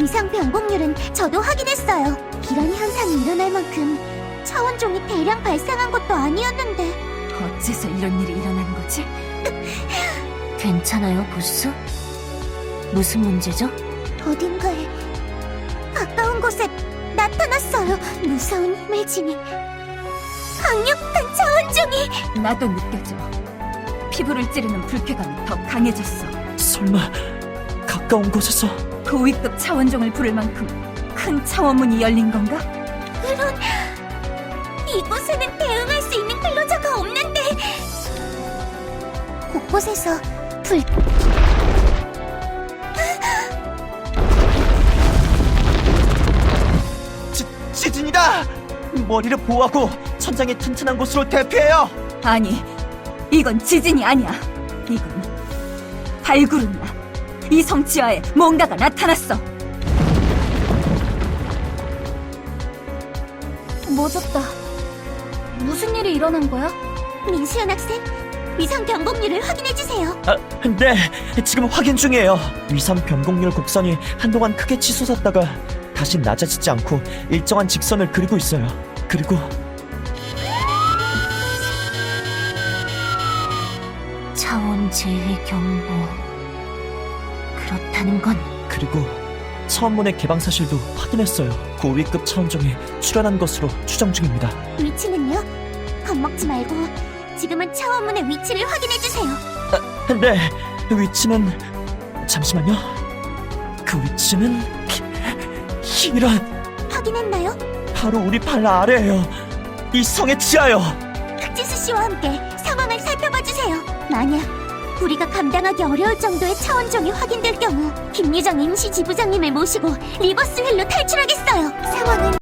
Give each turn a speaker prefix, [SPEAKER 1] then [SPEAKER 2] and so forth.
[SPEAKER 1] 위상 변곡률은 저도 확인했어요. 이런 현상이 일어날 만큼 차원종이 대량 발생한 것도 아니었는데.
[SPEAKER 2] 어째서 이런 일이 일어난 거지?
[SPEAKER 3] 괜찮아요, 보스? 무슨 문제죠?
[SPEAKER 1] 어딘가에 가까운 곳에 나타났어요. 무서운 힘을 지닌 강력한 차원종이.
[SPEAKER 2] 나도 느껴져. 피부를 찌르는 불쾌감이 더 강해졌어.
[SPEAKER 4] 설마 가까운 곳에서
[SPEAKER 2] 고위급 차원종을 부를 만큼 큰 차원문이 열린 건가?
[SPEAKER 1] 그런... 이곳에는 대응할 수 있는 근로자가 없는데. 곳곳에서 불...
[SPEAKER 4] 지진이다! 머리를 보호하고 천장이 튼튼한 곳으로 대피해요!
[SPEAKER 2] 아니, 이건 지진이 아니야. 이건 발구름이야. 이 성지하에 뭔가가 나타났어.
[SPEAKER 1] 멎었다. 무슨 일이 일어난 거야? 민수연 학생, 위상 변곡률을 확인해주세요.
[SPEAKER 4] 네, 지금 확인 중이에요. 위상 변곡률 곡선이 한동안 크게 치솟았다가 다시 낮아지지 않고 일정한 직선을 그리고 있어요. 그리고
[SPEAKER 3] 차원 재해 경보. 그렇다는 건
[SPEAKER 4] 그리고 차원문의 개방 사실도 확인했어요. 고위급 차원종이 출현한 것으로 추정 중입니다.
[SPEAKER 1] 위치는요? 겁먹지 말고 지금은 차원문의 위치를 확인해주세요.
[SPEAKER 4] 네, 위치는... 잠시만요. 그 위치는... 이런...
[SPEAKER 1] 확인했나요?
[SPEAKER 4] 바로 우리 발 아래예요. 이 성의 지하요.
[SPEAKER 1] 흑지수 씨와 함께 상황을 살펴봐주세요. 만약 우리가 감당하기 어려울 정도의 차원종이 확인될 경우 김유정 임시 지부장님을 모시고 리버스 휠로 탈출하겠습니다.